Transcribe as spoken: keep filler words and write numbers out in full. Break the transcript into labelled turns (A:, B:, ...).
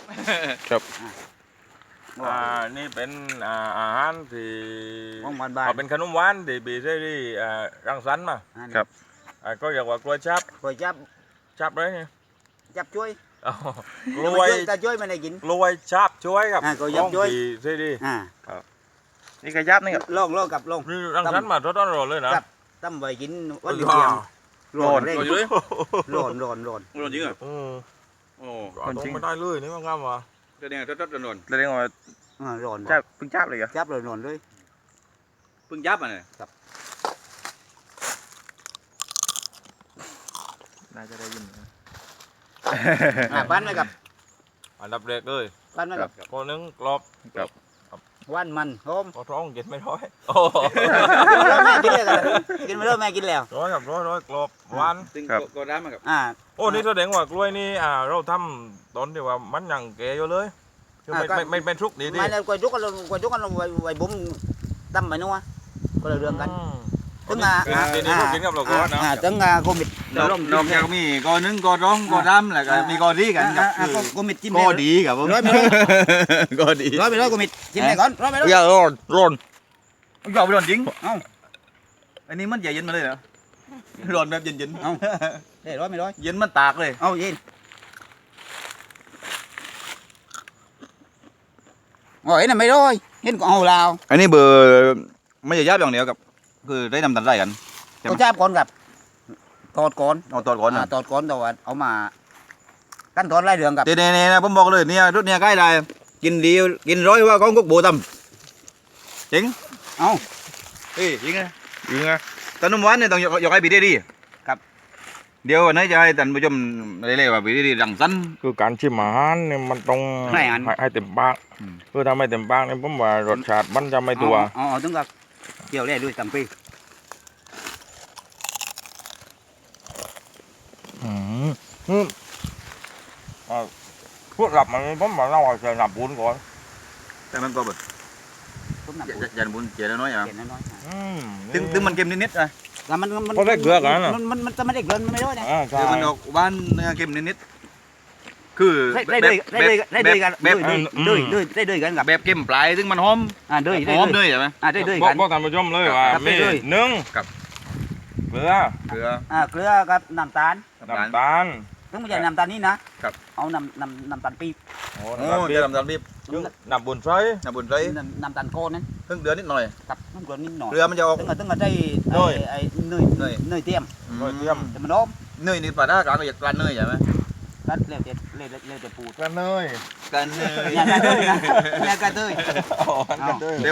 A: ครับ
B: อ่านี่เป็นอ่าอาหารที่
C: ของบ้านบ้าน
B: อ่าเป็นขนมหวานที่บีเซรี่อ่ารังสรรค์มา
A: ครับ
B: อ่าก็เรียกว่ากล้วยชับ
C: คอยจับ
B: ชับเลยไง
C: จับช่วย
B: อ๋อกล้วย
C: แต่ช่วยไม่ได้กิน
B: กล้วยชับช่วยครับ
C: อ่ากล้วยชับช่วย
B: ของบีเซรี่
C: อ่า
A: นี่กระยับนี่ครับ
C: ลองลองกับลอง
B: นี่รังสรรค์มาทดลองเลยนะครับ
C: ตั้มไว้กินวันเดียวร้อนเร่ง
D: ร้อนอยู่เลย
C: ร้อนร้อนร้อน
D: ร้อนจริงเหรอ
B: อืม
D: โอ้
B: ก็ต้องไม่ได้เลยนี่มันงามว่ะ
D: แสดงว่าทดๆร้อน
A: แล้วเรียกว่า
C: อ่าร้อน
A: จับเพิ่งจับเลยเหรอ
C: จับเลยร้อนเลย
D: ๆเพิ่งยับอ่ะเนี่ย
A: น่าจะได้ยินนะ
C: อ่าปั้นไว้กับ
B: อันดับแรกเลย
C: ปั้นไว้กับ
B: คนหนึงกรอบ
C: วันมันหอม
B: พอท้องกินไม่ร้อยโอ้
C: แม่กินเลยกันกินไปแล้วแม่กินแล้ว
B: ร้อยครับร้อยร้อยกรอบหวาน
D: ซึ่งก็ร้านมากับ
C: อ่า
B: โอ้นี่แสดงว่ากล้วยนี่อ่าเราทำตอนที่ว่ามันยังแก่อยู่เลยคือไม่
C: อ่าก็
B: ไม่ไม่ไม่ทุกดีดี
C: ไม่แล้วกวยจุกกันกวยจุกกันไว้ไว้บุ้มตั้มไปนัวก็เลยเรื่องกัน
B: อืม
C: ถึงอ่า
B: อ่าทีนี้เรากินกับเราก็นะ
C: อ่าถึงอ่าโควิด
D: นอกนอกจากมีกอนึงกอร้องกอรำแล้วก็มีกอดีกันกับ
C: อ่าโควิดจิ้ม
D: กอดีกับผม
C: ร้อยไปร้อย
D: กอดี
C: ร้อยไปร้อยโควิดจิ้มไปก่อนร้อยไปร้อย
A: อย่าร้อนร้อน
D: ยอมไปร้อนจริง
C: เอ้า
D: อันนี้มันใหญ่เย็นมาเลยเหรอร้อนแบบเย็น
C: เอ้าเฮ้ยร้อยไปร้อย
D: ๆเย็นมันตากเลย
C: เอ้ายินโอ้ยนั่นไม่ร้อยเห็นก็เอาลาว
D: อันนี้เบอร์ไม่ใช่ยับอย่างเดียวกับคือได้นำตันไรกัน
C: ก็จับก่อนกับตอดก่อน
D: เอาตอดก่อนนะ
C: อ่าตอดก่อนแต่ว่าเอามาขั้นตอนไล่เรื่องกับ
D: เน่ๆนะผมบอกเลยเนี่ยรถเนี่ยใกล้ได้กินดีกินร้อยว่าของกุ๊กโบตำจริง
C: เอ้า
D: เฮ้ยจริงไง
A: ยิงไง
D: ตอนนุ่มหวานเนี่ยต้องยกให้ปีได้ดี
C: ครับ
D: เดี๋ยววันนี้จะให้ท่านผู้ชมได้เลยว่าปีได้ดีรังสรรค์
B: คือการชิมอาหารเนี่ยมันต้อง
C: ให้อัน
B: ให้ให้เต็มปาก
D: อืม
B: คือถ้าไม่เต็มปากเนี่ยผมว่ารสชาติมันจะไม่ตัว
C: อ๋ออ๋อถึงกับเกี่ยวแร่ด้วยตังปี
B: อืมอืมอ่าพวกหลับมันผมว่าเราจะหลับบุญก่อน
D: แต่มันก็แบบ
C: ผมนำ
D: อย่าอย่าบุญเจียน้อยอ่ะ
C: เขียนน้อยๆ
B: อืม
D: ถึงถึงมันเค็มนิดๆนะ
C: แล้วมันมัน
B: เพราะได้เกลือกันน่ะ
C: มันมันมันจะไม่ได้เกลือมันไม่ได้นะ
B: อ่าใช่
D: คือมันออกบ้านเนื้อเค็มนิดๆคือ
C: ได้ได้ด้วยได้ด้วยได้ด้วยกัน
D: แบบ
C: ด้วยด้วยด้วยได้ด้วยกันกับ
D: แบบเค็มปลายซึ่งมันหอม
C: อ่าด้วยได้
D: หอม
C: ด้วย
D: ด้วยใช่ไหม
C: อ่าได้ด้วย
B: บอก
C: กัน
B: บอกท่านผู้ชมเลยว่า
C: ครับ
B: มี
C: ได้ด้วย
B: หนึ่ง
D: ครับ
B: เกลือ
D: เกลือ
C: อ่าเกลือกับน้ำตาล
D: น้ำตาล
B: น้ำตาล
C: ต้องไม่ใช่น้ำตาลนี่นะครับ เอาน้ำน้ำน้ำตาลปี๊บ
B: โอ้
D: โอ้
B: น้ำตาลปี๊
D: จะ
B: บ
D: ทำตาลปี๊บ
B: น้ำบุญไฟ
D: น้ำบุญไร
C: น้ำน้ำตาลโคนนั้น
D: เพิ่งเดือนนิดหน่อย
C: กับน้ำเกลือนิดหน่อย
D: เกลือมันจะออก
C: ตึงกับตึงกับได้ไอ้ไอ้เนย
D: เนย
C: เนยเทียม
B: โดยเทียม
C: แต่มันหอม
D: เนยนี่ปลาด้ากลางก็อยากปลาเนยใช่ไหม
C: ก็เร็วเด็ดเร็วเร็วเด็ดปูด
B: กันเนย
D: กันเนย
C: เนี่ยกระเทยนะเนี่ยกระเทย
B: อ๋อกันเนย